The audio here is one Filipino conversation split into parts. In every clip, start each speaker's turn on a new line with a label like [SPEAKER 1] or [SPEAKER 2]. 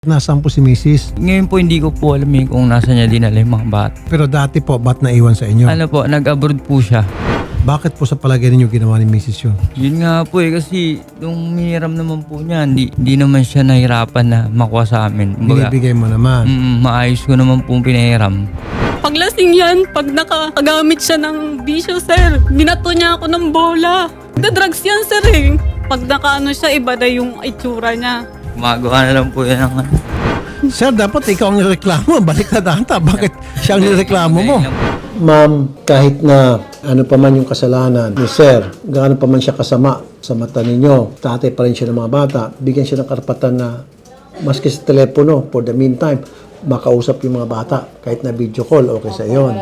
[SPEAKER 1] Nasaan po si Mrs.?
[SPEAKER 2] Ngayon po hindi ko po alam kung nasa niya dinala yung mga bata.
[SPEAKER 1] Pero dati po, ba't naiwan sa inyo?
[SPEAKER 2] Ano po, nag-abroad po siya.
[SPEAKER 1] Bakit po sa palagay ninyo ginawa ni Mrs. yun?
[SPEAKER 2] Yun nga po kasi nung miniram naman po niya, hindi naman siya nahirapan na makuha sa amin. Kumbaga,
[SPEAKER 1] Binibigay mo naman.
[SPEAKER 2] maayos ko naman pong pinahiram.
[SPEAKER 3] Paglasing yan, pag nakagamit siya ng bisyo, sir, binato niya ako ng bola. Drugs yan, sir, eh. Pag nakaano siya, iba na yung itsura niya.
[SPEAKER 2] Gumagawa na lang po yan ng
[SPEAKER 1] Sir, dapat ikaw ang nireklamo. Balik na data. Bakit siya ang nireklamo mo? Ma'am, kahit na ano pa man yung kasalanan ni Sir, gaano pa man siya kasama sa mata ninyo, tatay pa rin siya ng mga bata, bigyan siya ng karapatan na maski sa telepono, for the meantime, makausap yung mga bata. Kahit na video call, okay sa yon.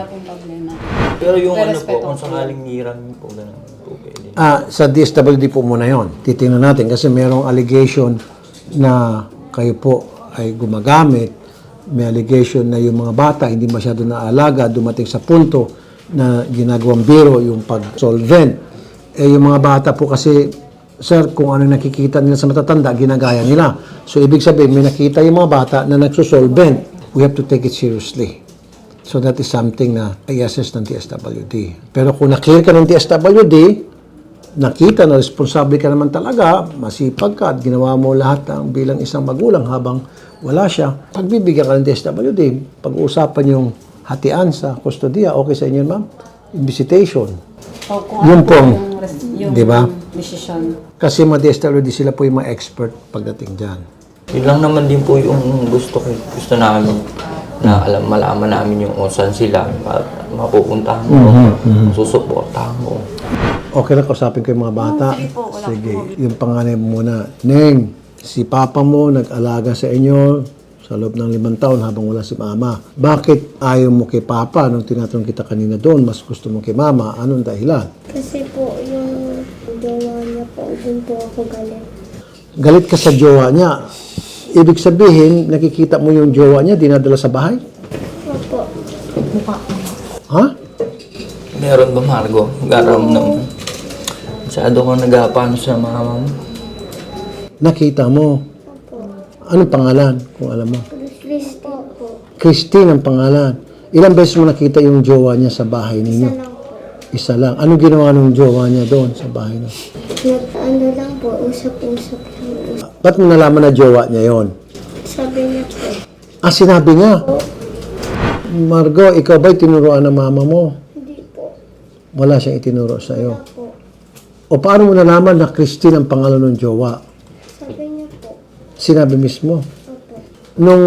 [SPEAKER 2] Pero yung ano po, kung sakaling hiram po, ganun po pwede.
[SPEAKER 1] Sa DSWD po muna yon. Titingnan natin kasi merong allegation na kayo po ay gumagamit. May allegation na yung mga bata hindi masyado naalaga, dumating sa punto na ginagawang biro yung pag-solvent. Yung mga bata po kasi, sir, kung ano nakikita nila sa matatanda, ginagaya nila. So, ibig sabihin, may nakita yung mga bata na nagsusolvent. We have to take it seriously. So, that is something na i-assess ng DSWD. Pero kung na-clear ka ng DSWD, nakita na responsable ka naman talaga, masipag ka at ginawa mo lahat ng bilang isang magulang habang wala siya, pagbibigyan ka ng DSWD, pag-uusapan yung hatian sa kustodiya, okay sa inyo, ma'am? Visitation. Yun pong, di ba? Kasi mga DSWD, sila po yung mga expert pagdating dyan.
[SPEAKER 2] Yun lang naman din po yung gusto namin na malaman namin yung saan sila, mapupuntahan mo, susuportahan mo.
[SPEAKER 1] Okay lang, kausapin ko yung mga bata. Sige, yung panganay mo muna. Neng, si papa mo nag-alaga sa inyo sa loob ng 5 taon habang wala si mama. Bakit ayaw mo kay papa nung tinatanong kita kanina doon? Mas gusto mo kay mama. Anong dahilan?
[SPEAKER 4] Kasi po, yung jowa niya po, dun po ako galit.
[SPEAKER 1] Galit ka sa jowa niya. Ibig sabihin, nakikita mo yung jowa niya, dinadala sa bahay?
[SPEAKER 4] Opo.
[SPEAKER 1] Ha?
[SPEAKER 2] Meron ba, Margo? Garam naman. Masyado ko nagapano sa mama mo.
[SPEAKER 1] Nakita mo. Anong pangalan, kung alam mo?
[SPEAKER 4] Christy po.
[SPEAKER 1] Christine ang pangalan. Ilang beses mo nakita yung jowa niya sa bahay ninyo?
[SPEAKER 4] Isa lang po.
[SPEAKER 1] Isa lang. Anong ginawa ng jowa niya doon sa bahay niya?
[SPEAKER 4] Ano lang po, usap-usap lang.
[SPEAKER 1] Ba't mo nalaman na jowa niya yon?
[SPEAKER 4] Sabi niya po,
[SPEAKER 1] Sinabi niya. Margo, ikaw ba'y tinuruan ng mama mo?
[SPEAKER 4] hindi po.
[SPEAKER 1] Wala siyang itinuro sa iyo.
[SPEAKER 4] Po.
[SPEAKER 1] O paano mo nalaman na Christine ang pangalan ng jowa?
[SPEAKER 4] Sabi niya po,
[SPEAKER 1] Sinabi mismo.
[SPEAKER 4] opo.
[SPEAKER 1] Nung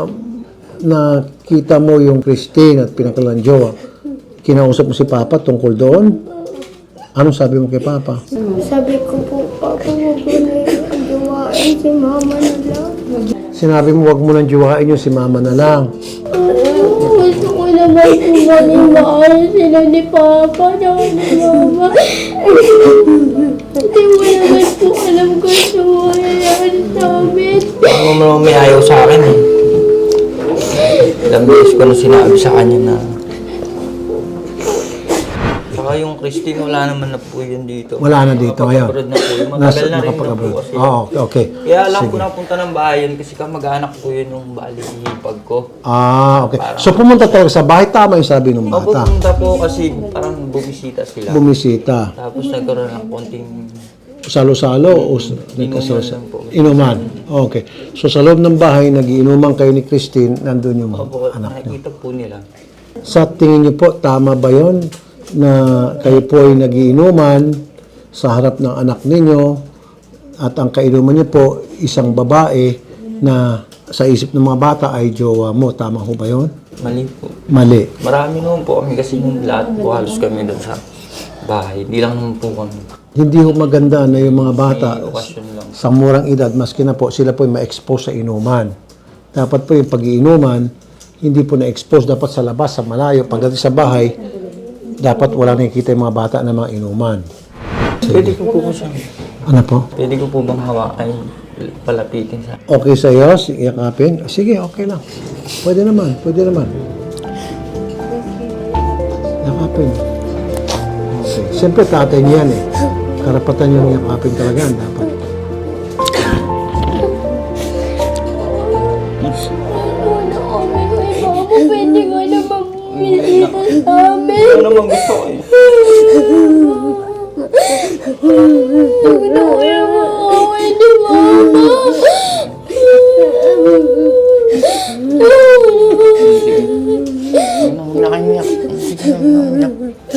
[SPEAKER 1] nakita mo yung Christine at pinakalan ng jowa, kinausap mo si Papa tungkol doon? Anong sabi mo kay Papa?
[SPEAKER 4] Sabi ko po, Papa, huwag mo na yung jowain si mama na lang.
[SPEAKER 1] Sinabi mo, wag mo nang jowain yung si Mama na lang.
[SPEAKER 4] Gusto ko naman po maniwala sila ni Papa na ni Mama. Hindi mo naman po alam kung ano mangyayari sa amin.
[SPEAKER 2] Ako naman may ayaw sa akin eh. Ilang beses ko na sinabi sa kanya na saka yung Christine, wala naman na po yun dito.
[SPEAKER 1] Wala na dito ngayon.
[SPEAKER 2] Nakapag-abroad na po yun. Matagal na rin na po kasi.
[SPEAKER 1] Okay.
[SPEAKER 2] Kaya alam ko na punta ng bahay yun kasi kamag-anak ko yun yung bali hipag ko.
[SPEAKER 1] Okay. So pumunta talaga sa bahay, tama yung sabi ng
[SPEAKER 2] Opo,
[SPEAKER 1] bata.
[SPEAKER 2] pumunta po kasi parang bumisita sila.
[SPEAKER 1] Bumisita.
[SPEAKER 2] Tapos nagkaroon ng konting
[SPEAKER 1] Salo-salo o
[SPEAKER 2] lang po.
[SPEAKER 1] Inuman. Okay. So sa loob ng bahay, nagiinuman kayo ni Christine, nandun yung
[SPEAKER 2] opo,
[SPEAKER 1] anak niyo.
[SPEAKER 2] nakikita po nila.
[SPEAKER 1] Sa tingin niyo po, tama ba yon na kayo po ay nagiinuman sa harap ng anak ninyo at ang kainuman niyo po isang babae na sa isip ng mga bata ay jowa mo. Tama ho ba yon?
[SPEAKER 2] Mali po.
[SPEAKER 1] Mali.
[SPEAKER 2] Marami naman po kami kasi yung lahat po halos kami doon sa bahay. Hindi lang naman po kami.
[SPEAKER 1] Hindi ho maganda na yung mga bata
[SPEAKER 2] May okasyon lang.
[SPEAKER 1] sa murang edad, maski na po sila po ay ma-expose sa inuman. Dapat po yung pag-iinuman, hindi po na-expose. Dapat sa labas, sa malayo. Pagdating sa bahay, dapat wala nakikita yung mga bata na mga inuman.
[SPEAKER 2] Pwede ko po siya.
[SPEAKER 1] Ano po?
[SPEAKER 2] Pwede ko po bang hawakan, palapitin sa...
[SPEAKER 1] Okay sa iyo? Yakapin? Sige, okay lang. Pwede naman, pwede naman. Yakapin. Okay. Siyempre, tatay niyan eh. Karapatan yung yakapin talaga. Dapat.
[SPEAKER 2] naman gusto ko eh.
[SPEAKER 4] Gusto ko yung makawin ni Mama.
[SPEAKER 2] Huwag na kayo umiyak. Sige na, umiyak.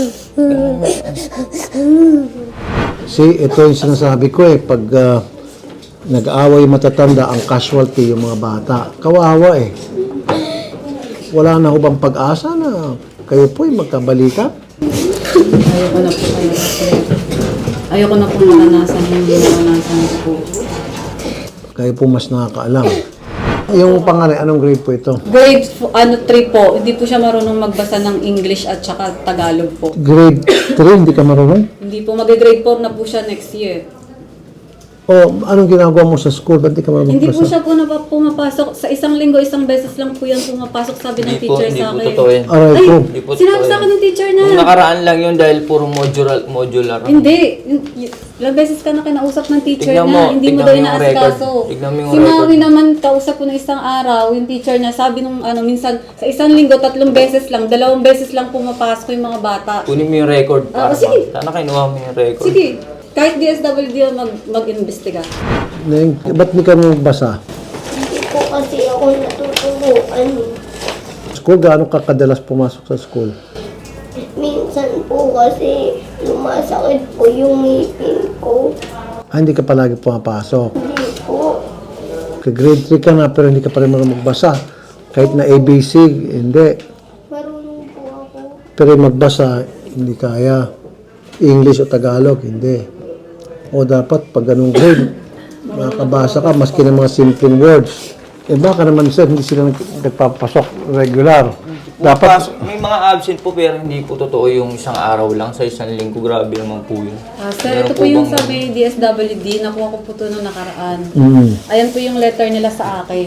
[SPEAKER 1] See, ito yung sinasabi ko eh, pag nag-aaway matatanda, ang casualty yung mga bata. Kawawa eh. Wala na ho bang pag-asa na kayo po ay magkabalikan?
[SPEAKER 5] Ayoko na po kayo kasi ayoko na po naranasan yung naranasan ko po.
[SPEAKER 1] Kayo po mas nakakaalam. Yung pangalan, anong grade po ito?
[SPEAKER 5] Grade 3 po, hindi po siya marunong magbasa ng English at saka Tagalog po.
[SPEAKER 1] Grade 3, hindi ka marunong?
[SPEAKER 5] Hindi po, mag-grade 4 na po siya next year.
[SPEAKER 1] O anong ginagawa mo sa school? Ba't di ka marunong
[SPEAKER 5] Hindi po
[SPEAKER 1] magbasa?
[SPEAKER 5] siya po pumapasok. Sa isang linggo, isang beses lang po yan pumapasok, sabi ng
[SPEAKER 2] Hindi po,
[SPEAKER 5] teacher
[SPEAKER 2] hindi
[SPEAKER 5] sa
[SPEAKER 2] po
[SPEAKER 5] akin.
[SPEAKER 2] totoo yan.
[SPEAKER 1] Aray
[SPEAKER 5] Ay,
[SPEAKER 1] po.
[SPEAKER 2] Hindi po
[SPEAKER 5] sinabi
[SPEAKER 2] totoo
[SPEAKER 5] sa akin
[SPEAKER 2] yan.
[SPEAKER 5] ng teacher na.
[SPEAKER 2] Nung nakaraan lang yun dahil puro modular.
[SPEAKER 5] Hindi. Ilang beses ka na kinausap ng teacher
[SPEAKER 2] Tignan
[SPEAKER 5] na,
[SPEAKER 2] mo,
[SPEAKER 5] hindi mo
[SPEAKER 2] tignan
[SPEAKER 5] daw
[SPEAKER 2] mo yung
[SPEAKER 5] inaasikaso.
[SPEAKER 2] record. Tignan mo yung
[SPEAKER 5] Si Maui
[SPEAKER 2] record.
[SPEAKER 5] naman, kausap ko ng isang araw, yung teacher niya, sabi nung minsan, sa isang linggo, 3 beses lang, 2 beses lang pumapasok yung mga bata.
[SPEAKER 2] Kunin mo yung record para
[SPEAKER 5] sige.
[SPEAKER 2] Sana kinuha mo yung record.
[SPEAKER 5] Sige, kahit DSWD ang mag-imbestiga.
[SPEAKER 1] Neng, ba't di ka magbasa?
[SPEAKER 4] Hindi po kasi ako natuturuan.
[SPEAKER 1] School, gaano ka kadalas pumasok sa school?
[SPEAKER 4] Minsan po kasi lumasakit po yung ngipin ko.
[SPEAKER 1] Ah, hindi ka palagi pumapasok.
[SPEAKER 4] Hindi po.
[SPEAKER 1] Grade 3 ka na pero hindi ka pa rin marunong magbasa. Kahit na ABC, hindi.
[SPEAKER 4] Marunong po ako.
[SPEAKER 1] Pero magbasa, hindi kaya. English o Tagalog, hindi. O dapat pag ganung grade, makakabasa ka maski ng mga simpleng words. Eh baka naman sir, hindi sila nagpapasok regular. Dapat,
[SPEAKER 2] May mga absent po pero hindi po totoo yung isang araw lang sa isang linggo. Grabe naman po yun.
[SPEAKER 5] Sir, ito po yung sabi DSWD, nakuha ko po ito nung nakaraan. Ayan po yung letter nila sa akin.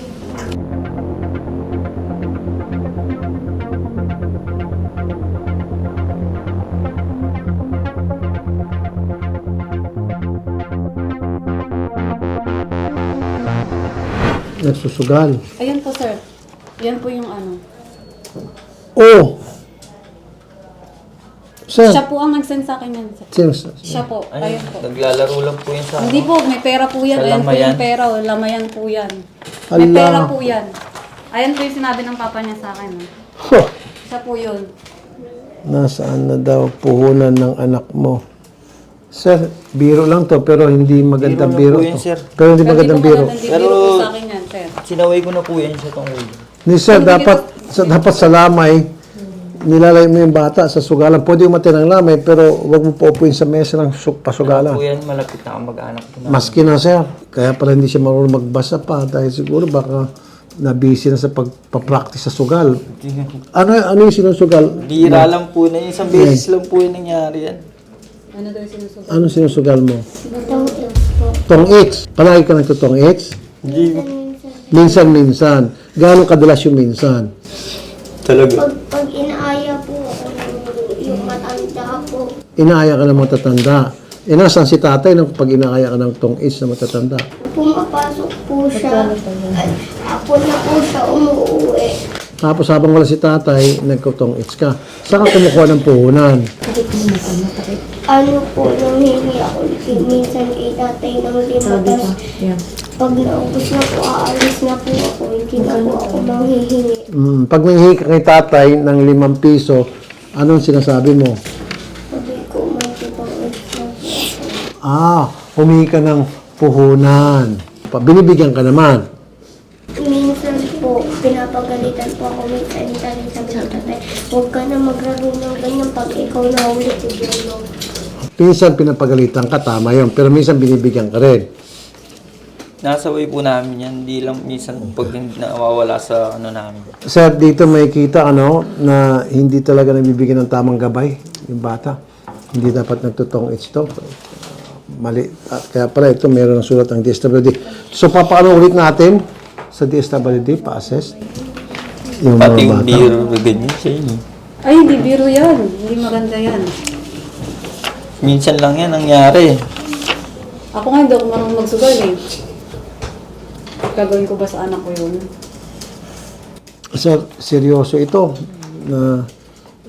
[SPEAKER 1] nagsusugal.
[SPEAKER 5] Ayan po, sir. Yan po yung ano.
[SPEAKER 1] Oh! Sir,
[SPEAKER 5] Siya po ang nag-send sa akin yan, sir.
[SPEAKER 1] sir,
[SPEAKER 5] Siya po. Ayun po.
[SPEAKER 2] Naglalaro lang po yun sa
[SPEAKER 5] Hindi po, may pera po yan.
[SPEAKER 2] Sa
[SPEAKER 5] Ayan po
[SPEAKER 2] lamayan?
[SPEAKER 5] yung pera. Oh. Lamayan po yan. May
[SPEAKER 1] Ala.
[SPEAKER 5] pera po yan. Ayan po yung sinabi ng papa niya sa akin. Oh.
[SPEAKER 1] Huh.
[SPEAKER 5] Siya po yun.
[SPEAKER 1] Nasaan na daw puhunan ng anak mo? Sir, biro lang to, pero hindi magandang
[SPEAKER 2] Biro
[SPEAKER 1] biro,
[SPEAKER 2] lang po yun,
[SPEAKER 1] to.
[SPEAKER 2] sir.
[SPEAKER 1] Pero hindi magandang biro.
[SPEAKER 5] Hindi
[SPEAKER 2] Pero-
[SPEAKER 5] biro po sa akin yan, sir.
[SPEAKER 2] Sinaway ko na po yan sa tungkol.
[SPEAKER 1] Ni sir, dapat sa lamay, nilalay mo yung bata sa sugalan. Pwede umatay ng lamay, pero wag mo paupuin sa mesa ng pasugalan.
[SPEAKER 2] Po yan, malapit na kamag-anak ko na.
[SPEAKER 1] Maski na sir, kaya pala hindi siya marunong magbasa pa dahil siguro baka na-busy na sa pagpa-practice sa sugal. Ano yung sinusugal?
[SPEAKER 2] Bira lang po na yun. Isang beses lang po yung nangyari yan.
[SPEAKER 5] Ano daw yung sinusugal?
[SPEAKER 1] Ano sinusugal mo?
[SPEAKER 4] Itong po.
[SPEAKER 1] Tong X. Palagi ka nagtutong X?
[SPEAKER 2] Hindi.
[SPEAKER 1] Minsan-minsan. Gaano kadalas yung minsan?
[SPEAKER 2] Talaga.
[SPEAKER 4] Pag inaaya po ako yung matanda po.
[SPEAKER 1] Inaaya ka ng matatanda. Eh, nasaan si tatay nang pag inaaya ka ng tong X na matatanda?
[SPEAKER 4] Pumapasok po siya. At ako na po siya umuwi.
[SPEAKER 1] Tapos habang wala si tatay, nagkutong X ka. Saan ka kumukuha ng puhunan?
[SPEAKER 4] Ano po, nanghingi ako minsan kay tatay ng lima. Tapos pag naubos na po, aalis na po ako. Hindi na po ako manghihingi.
[SPEAKER 1] Pag nanghihingi ka kay tatay ng 5 piso, anong sinasabi mo?
[SPEAKER 4] Sabi ko, may kitang extra po.
[SPEAKER 1] Humingi ka ng puhunan. Binibigyan ka naman.
[SPEAKER 4] Minsan po, pinapagalitan po ako minsan. Sabi ko, tatay, huwag ka na maglaro ng ganyan pag ikaw na ulit.
[SPEAKER 1] Minsan pinapagalitan ka, tama yun. Pero minsan binibigyan ka rin.
[SPEAKER 2] Nasa way po namin yan. Hindi lang minsan pag nawawala sa ano namin.
[SPEAKER 1] Sir, dito may kita na hindi talaga nabibigyan ng tamang gabay yung bata. Hindi dapat nagtutong ito. Mali. At kaya pala ito, meron ng sulat ang DSWD. So, papaano ulit natin sa DSWD, pa-assess yung mga
[SPEAKER 2] Pati yung
[SPEAKER 1] bata.
[SPEAKER 2] beer, ganyan sa inyo.
[SPEAKER 5] Ay, hindi biro yan. Hindi maganda yan.
[SPEAKER 2] Minsan lang yan nangyari.
[SPEAKER 5] Ako nga, hindi ako marunong magsugal eh. Gagawin ko ba sa anak ko yun?
[SPEAKER 1] Sir, seryoso ito na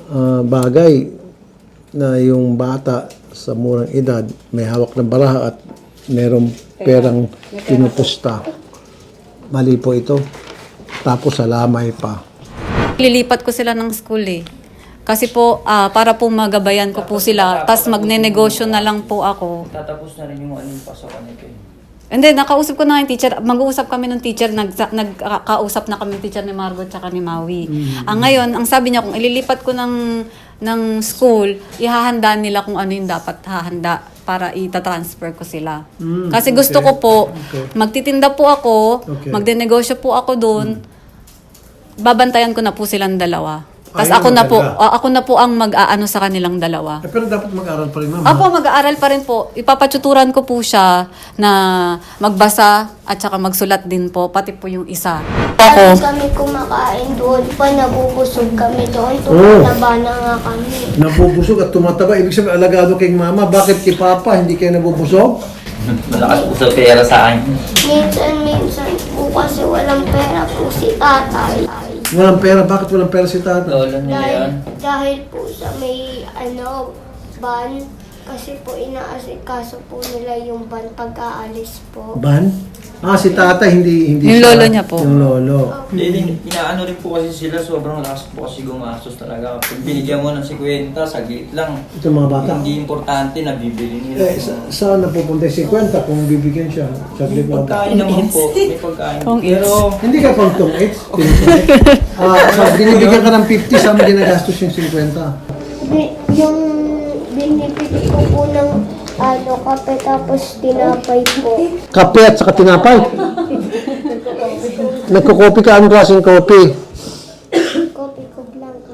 [SPEAKER 1] bagay na yung bata sa murang edad may hawak ng baraha at merong perang pinupusta. Mali po ito. Tapos salamay pa.
[SPEAKER 5] Lilipat ko sila ng school eh. Kasi po, para po magabayan ko po sila, tas magne-negosyo na lang po ako.
[SPEAKER 2] Tatapos na rin yung ano yung pasokan nito.
[SPEAKER 5] Hindi, nakausap ko na yung teacher. Mag-uusap kami ng teacher. Nagkausap na kami ng teacher ni Margot tsaka ni Maui. Ngayon, ang sabi niya, kung ililipat ko ng school, ihahanda nila kung ano yung dapat hahanda para ita-transfer ko sila. Kasi gusto ko po, magtitinda po ako,
[SPEAKER 1] Okay.
[SPEAKER 5] magde-negosyo po ako doon, babantayan ko na po silang dalawa. Tapos
[SPEAKER 1] Ayun,
[SPEAKER 5] ako na po ang mag-aano sa kanilang dalawa.
[SPEAKER 1] Pero dapat mag-aral pa rin, ma'am.
[SPEAKER 5] Apo, mag-aaral pa rin po. Ipapatuturan ko po siya na magbasa at saka magsulat din po, pati po yung isa.
[SPEAKER 4] Ako. Kami kumakain doon pa, nabubusog kami doon. Tumataba na nga kami.
[SPEAKER 1] Nabubusog at tumataba. Ibig sabihin, alagado kay mama. Bakit kay papa hindi kayo nabubusog?
[SPEAKER 2] Malakas po sa pera sa akin.
[SPEAKER 4] Minsan po kasi walang pera po si tatay.
[SPEAKER 1] Walang pera. Bakit walang pera si tata?
[SPEAKER 2] Lolo nila yun.
[SPEAKER 4] Dahil po sa may ban, kasi po inaasikaso po nila yung ban pag-aalis po.
[SPEAKER 1] Ban? Si tata hindi
[SPEAKER 5] Yung
[SPEAKER 1] siya.
[SPEAKER 5] lolo niya po.
[SPEAKER 1] Yung lolo.
[SPEAKER 2] Inaano rin po kasi sila, sobrang lakas po kasi gumastos talaga. Pag binigyan mo ng 50, saglit lang.
[SPEAKER 1] Ito mga bata.
[SPEAKER 2] Hindi importante na bibili nila.
[SPEAKER 1] Saan napupunta yung 50 kung bibigyan siya? Saglit
[SPEAKER 2] May
[SPEAKER 1] lang.
[SPEAKER 2] pagkain naman po. May pagkain.
[SPEAKER 5] Kung
[SPEAKER 2] Pero,
[SPEAKER 1] Hindi ka pang tong 8. Binibigyan ka ng 50, saan mo ginagastos yung 50?
[SPEAKER 4] Yung binibili ko po ng kape tapos tinapay po.
[SPEAKER 1] Kape at saka tinapay. Nagko-coffee ka. Anong klaseng coffee?
[SPEAKER 4] Kopi ko blanca.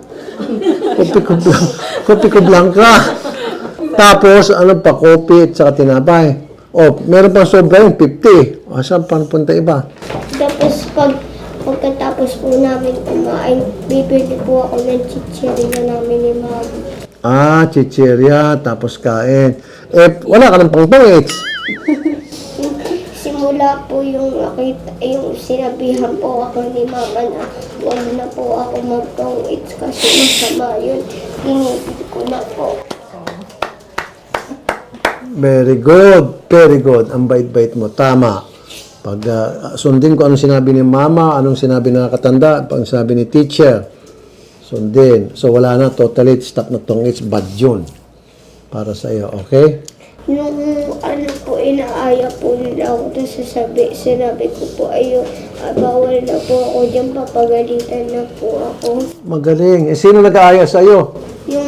[SPEAKER 1] Kopi ko blanca. Tapos, ano pa, coffee at saka tinapay. Meron pang sobra yung 50. Saan pang punta iba?
[SPEAKER 4] Tapos pagkatapos po namin kumain, bibili po ako ng chichirya namin ni Mami.
[SPEAKER 1] Chichirya, tapos kain. Wala ka ng pang-tongits.
[SPEAKER 4] Simula po yung sinabihan po ako ni Mama na huwag na po ako mag-tong-its kasi masama yun. Tinipid ko na po.
[SPEAKER 1] Very good. Very good. Ang bait-bait mo. Tama. Pag sundin ko anong sinabi ni mama, anong sinabi ng nakatanda, pag sinabi ni teacher, sundin. So wala na, totally stop na tong it's bad yun. Para sa iyo, okay?
[SPEAKER 4] Nung inaaya po nila ako, tapos sinabi ko po, bawal na po ako dyan, papagalitan na po ako.
[SPEAKER 1] Magaling. Sino nag-aaya sa iyo?
[SPEAKER 4] Yung,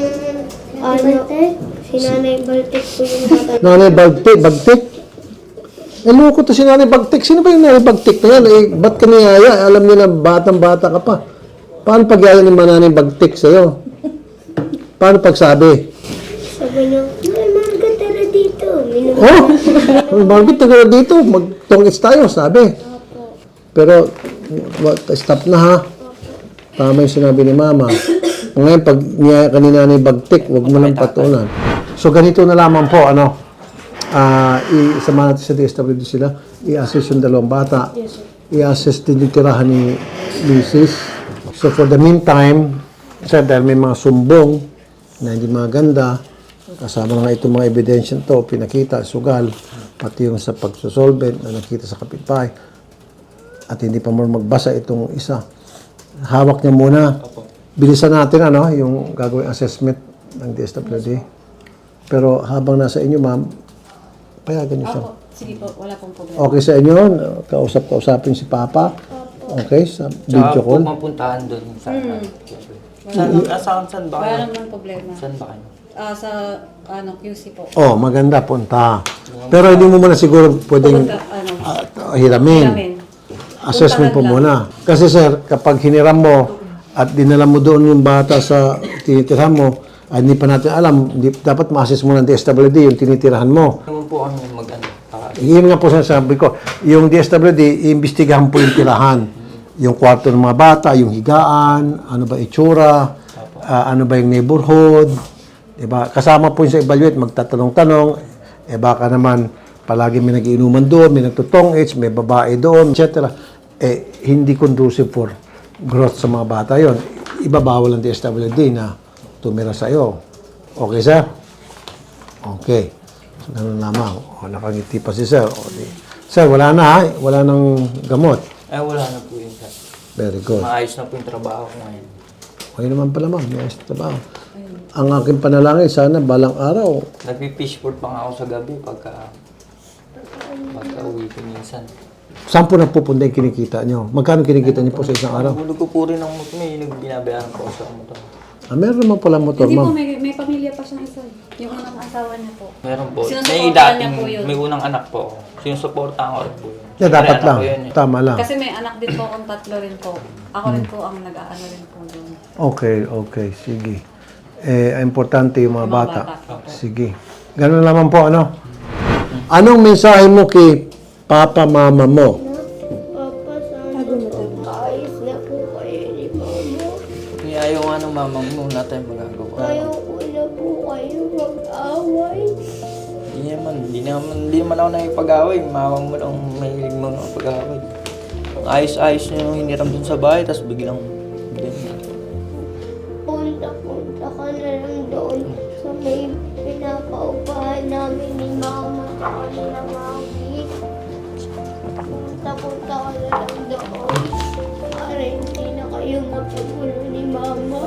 [SPEAKER 4] si Nanay Baltic po yung matanda.
[SPEAKER 1] Nanay Bagtik? Loko to si Nanay Bagtik. Sino ba yung Nanay Bagtik na yan? Ba't ka niyaya? Alam niyo na batang-bata ka pa. Paano pagyaya ni Nanay Bagtik sa'yo? Paano pagsabi?
[SPEAKER 4] Sabi niya, Margaret, tara dito.
[SPEAKER 1] Margaret, tara dito. Magtongits tayo, sabi. Pero, stop na ha. Tama yung sinabi ni Mama. Ngayon, pag niyaya ka ni Nanay Bagtik, huwag mo lang patulan. So, ganito na lamang po, isama natin sa DSWD sila, i-assess yung dalawang bata, i-assess din yung tirahan ni Mrs. So for the meantime, dahil may mga sumbong na hindi maganda, kasama nga itong mga ebidensya to, pinakita, sugal, pati yung sa pagsusolvent na nakita sa kapitbahay, at hindi pa mo magbasa itong isa. Hawak niya muna. Bilisan natin yung gagawing assessment ng DSWD. Pero habang nasa inyo, ma'am, payagan niyo siya.
[SPEAKER 5] Sige po, wala pong problema.
[SPEAKER 1] Okay sa inyo? Kausapin si Papa? Okay, sa video
[SPEAKER 2] tsaka po
[SPEAKER 1] call?
[SPEAKER 2] mapuntahan doon. Saan ba
[SPEAKER 5] Wala
[SPEAKER 2] kayo?
[SPEAKER 5] naman problema.
[SPEAKER 2] Saan ba kayo?
[SPEAKER 5] Sa QC po.
[SPEAKER 1] Maganda, punta. Pero hindi mo muna siguro pwedeng hiramin. Assessment po muna. Kasi sir, kapag hiniram mo at dinala mo doon yung bata sa tinitirhan mo, hindi pa natin alam, dapat ma-assess mo ng DSWD yung tinitirahan mo.
[SPEAKER 2] Naman po kami mag-ano.
[SPEAKER 1] Yun nga po sabi ko, yung DSWD, iimbestigahan po yung tirahan. Yung kwarto ng mga bata, yung higaan, ano ba itsura, ano ba yung neighborhood. Diba? Kasama po yung sa evaluate, magtatanong-tanong, baka naman palagi may nagiinuman doon, may nagtutong-its, may babae doon, etc. Hindi conducive for growth sa mga bata yon. Ibabawal ang DSWD na tumira sa iyo. Okay, sir? Okay. So, ganun lamang. O, nakangiti pa si sir. O, sir, wala na ha? Wala nang gamot.
[SPEAKER 2] Ay, wala na po yun, sir.
[SPEAKER 1] Very good.
[SPEAKER 2] Maayos na po yung trabaho ko ngayon.
[SPEAKER 1] Okay naman pala, ma'am. May ayos na trabaho. Ang aking panalangin, sana balang araw,
[SPEAKER 2] Nagpi-fishboard pa nga ako sa gabi pagka uwi ko minsan.
[SPEAKER 1] saan po napupunta yung kinikita nyo? Magkano kinikita nyo po sa isang araw?
[SPEAKER 2] Hulog ko po rin ng motor. May binabayaran po ako sa motor.
[SPEAKER 1] Meron naman pala motor,
[SPEAKER 5] Hindi po,
[SPEAKER 1] ma'am.
[SPEAKER 5] may pamilya pa siyang isa. Yung unang asawa niya po.
[SPEAKER 2] Meron po.
[SPEAKER 5] Sinusuportahan
[SPEAKER 2] May
[SPEAKER 5] niya
[SPEAKER 2] dating,
[SPEAKER 5] po yun.
[SPEAKER 2] may unang anak po ako. Sinusuportahan ko rin po yun.
[SPEAKER 1] Yeah, dapat
[SPEAKER 2] May anak
[SPEAKER 1] lang.
[SPEAKER 2] ko yun, eh.
[SPEAKER 1] Tama lang.
[SPEAKER 5] Kasi may anak din po akong 3 rin po. Ako rin po ang nag-aano rin po doon.
[SPEAKER 1] Okay. Sige. Importante yung mga bata.
[SPEAKER 5] bata.
[SPEAKER 1] Sige. Ganun naman po, ano? Anong mensahe mo kay Papa, Mama mo?
[SPEAKER 4] Papa, sana ayos na po kayo ni Mama.
[SPEAKER 2] Kaya ayaw nga ng mamang mo natin magagawa.
[SPEAKER 4] Ayaw ko na po kayo mag-away.
[SPEAKER 2] Hindi naman ako nakipag-away. Mamang mo lang mahilig mo ng pag-away. Ayos-ayos niya yung hiniram dun sa bahay, tapos biglang ganyan.
[SPEAKER 4] Punta ka na lang doon sa may pinapaupahan namin ni Mama sa kanila Mami. Punta ka na lang doon para hindi na kayo mapagulo ni Mama.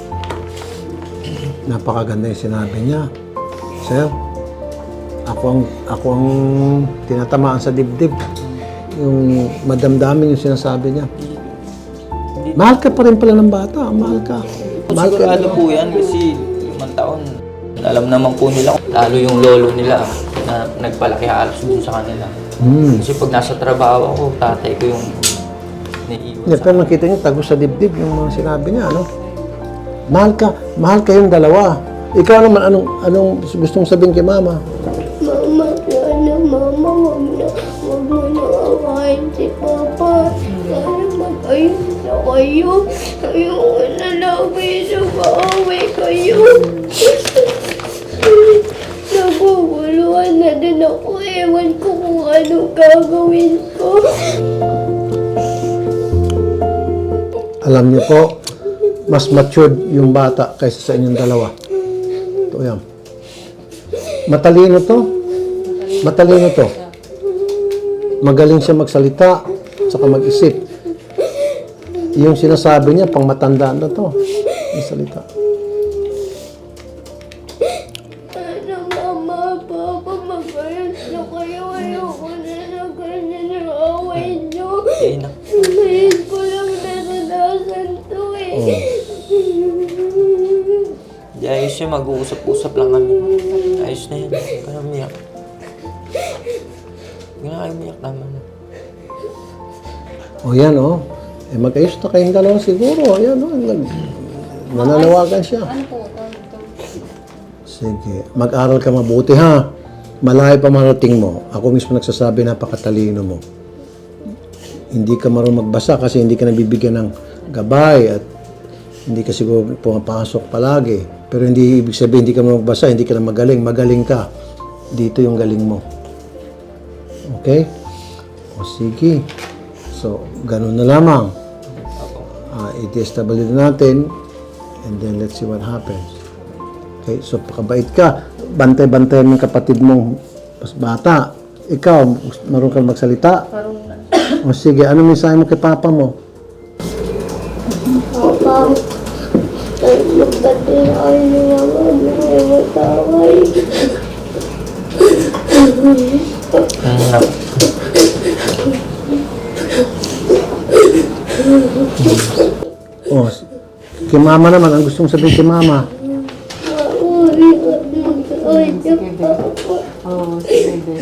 [SPEAKER 1] Napakaganda yung sinabi niya. Sir, ako ang tinatamaan sa dibdib. Yung madamdamin yung sinasabi niya. Mahal ka pa rin pala ng bata. Mahal ka. Mahal ka
[SPEAKER 2] Sigurado po yan kasi 5 taon. Alam naman po nila, lalo yung lolo nila na nagpalaki halos dun sa kanila. Kasi pag nasa trabaho ako, tatay ko yung naiiwan
[SPEAKER 1] Yeah, pero nakita niyo, tagos sa dibdib yung mga sinabi niya, ano? Mahal kayong dalawa. Ikaw naman, anong gustong sabihin kay Mama?
[SPEAKER 4] Mama, sana Mama, wag mo na awahin si Papa. Sana mag-ayos na kayo. Ayoko na lagi sa maaway kayo. Naguguluhan na din ako. Ewan ko kung anong gagawin ko.
[SPEAKER 1] Alam niyo po, mas matured yung bata kaysa sa inyong dalawa. Ito yan. Matalino to. Magaling siya magsalita, saka mag-isip. Yung sinasabi niya, pang matandaan na to. Yung salita.
[SPEAKER 4] Sana Mama, Papa, mag-ayos na kayo. Ayoko na ganyan ang away niyo.
[SPEAKER 2] Eh, na.
[SPEAKER 4] Ngayon ko lang naranasan to eh.
[SPEAKER 2] Di ayos yun, mag-uusap-usap lang kami. Ayos na yun, huwag ka na umiyak. Huwag na kayo umiyak naman.
[SPEAKER 1] O yan, o. Mag-ayos na kayong dalawa siguro. Ayan, o. Nananawagan siya.
[SPEAKER 5] Ano po?
[SPEAKER 1] Sige. Mag-aral ka mabuti, ha? Malayo pa marating mo. Ako mismo nagsasabi, napakatalino mo. Hindi ka marunong magbasa kasi hindi ka nabibigyan ng gabay at hindi ka siguro pumapasok palagi. Pero hindi ibig sabihin hindi ka marunong magbasa, hindi ka na magaling. Magaling ka. Dito yung galing mo. Okay? O sige. So, ganun na lamang. I-DSW natin and then let's see what happens. Okay? So, pakabait ka. Bantay-bantay ng kapatid mong mas bata. Ikaw, marunong ka magsalita? O sige, ano mensahe mo kay Papa mo?
[SPEAKER 4] Papa, magkatilaan niyo naman ay mataway.
[SPEAKER 1] O, kay Mama naman, ang gusto mong sabihin kay Mama?
[SPEAKER 4] Mauri at mag-ayos siya, Papa.
[SPEAKER 5] Oo, sige.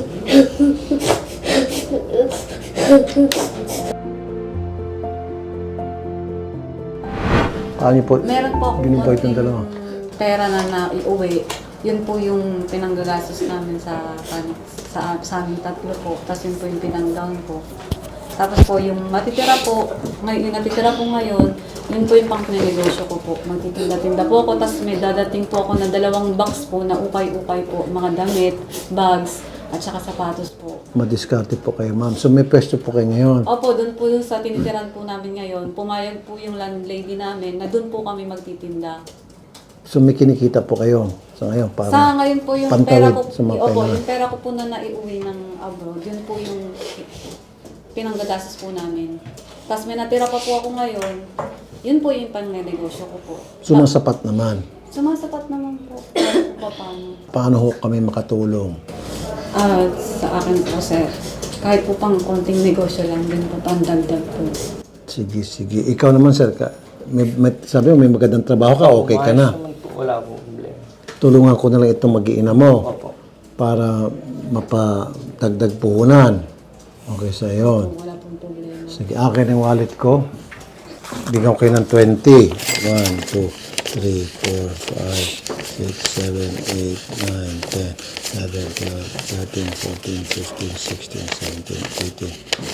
[SPEAKER 1] Paano po?
[SPEAKER 5] Meron po akong
[SPEAKER 1] Ginibay itong
[SPEAKER 5] konting
[SPEAKER 1] dalawa.
[SPEAKER 5] pera na iuwi. Yun po yung pinanggagastos namin sa aming 3 po. Tapos yun po yung pinang-down po. Tapos po yung natitira po ngayon, yun po yung pang-negosyo ko po. Magtitinda-tinda po ako, tapos may dadating po ako na 2 box po na ukay-ukay po. Mga damit, bags, at saka sapatos po.
[SPEAKER 1] Madiskarte po kayo, ma'am. So, may pwesto po kayo ngayon.
[SPEAKER 5] Opo, doon po yung sa tinitiran po namin ngayon. Pumayag po yung landlady namin na doon po kami magtitinda.
[SPEAKER 1] So may kinikita po kayo sa ngayon para
[SPEAKER 5] Sa ngayon po yung
[SPEAKER 1] pantawid
[SPEAKER 5] pera ko,
[SPEAKER 1] sa mga
[SPEAKER 5] opo,
[SPEAKER 1] kailangan.
[SPEAKER 5] yung pera ko po na naiuwi ng abroad, yun po yung pinanggagastos po namin. Tapos may natira pa po ako ngayon, yun po yung pangnegosyo ko po.
[SPEAKER 1] Sumasapat naman.
[SPEAKER 5] Sumasapat naman po. Kahit po paano.
[SPEAKER 1] Paano ho kami makatulong?
[SPEAKER 5] Sa akin po, sir, kahit po pang konting negosyo lang din po, pandagdag po.
[SPEAKER 1] Sige, sige. Ikaw naman, sir, sabi mo may magandang trabaho ka, okay ka na.
[SPEAKER 2] Maayos naman po, wala po problema.
[SPEAKER 1] Tulungan ko na lang itong mag-iina mo
[SPEAKER 2] Opo.
[SPEAKER 1] para mapadagdag puhunan. Okay sa yon.
[SPEAKER 5] Wala pong problema.
[SPEAKER 1] Sige, akin ang wallet ko. Bigyan ko kayo ng 20. 1, 2, 3, 4, 5, 6, 7, 8, 9, 10, 11, 12, 13, 14, 15, 16, 17,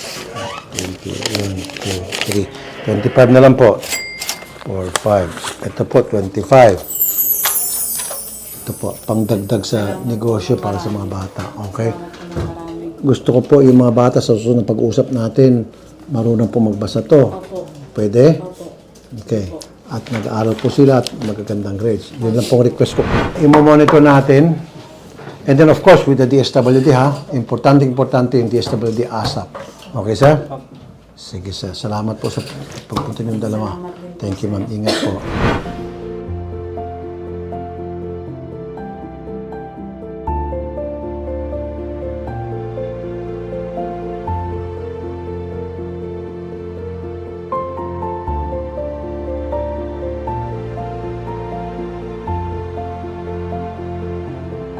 [SPEAKER 1] 18, 20, 1, 2, 3. 25 na lang po. 4, 5. Ito po, 25. Ito po, pangdagdag sa negosyo para sa mga bata. Okay? Gusto ko po yung mga bata sa susunod na pag-usap natin, marunong po magbasa to.
[SPEAKER 5] Opo.
[SPEAKER 1] Pwede?
[SPEAKER 5] Opo.
[SPEAKER 1] Okay. At nag-aaral po sila at magagandang grades. Yun lang pong request ko. I-monitor natin. And then of course, with the DSWD ha, importante yung DSWD ASAP. Okay, sir? Sige, sir. Salamat po sa pagpunta niyong dalawa. Thank you, ma'am. Ingat po.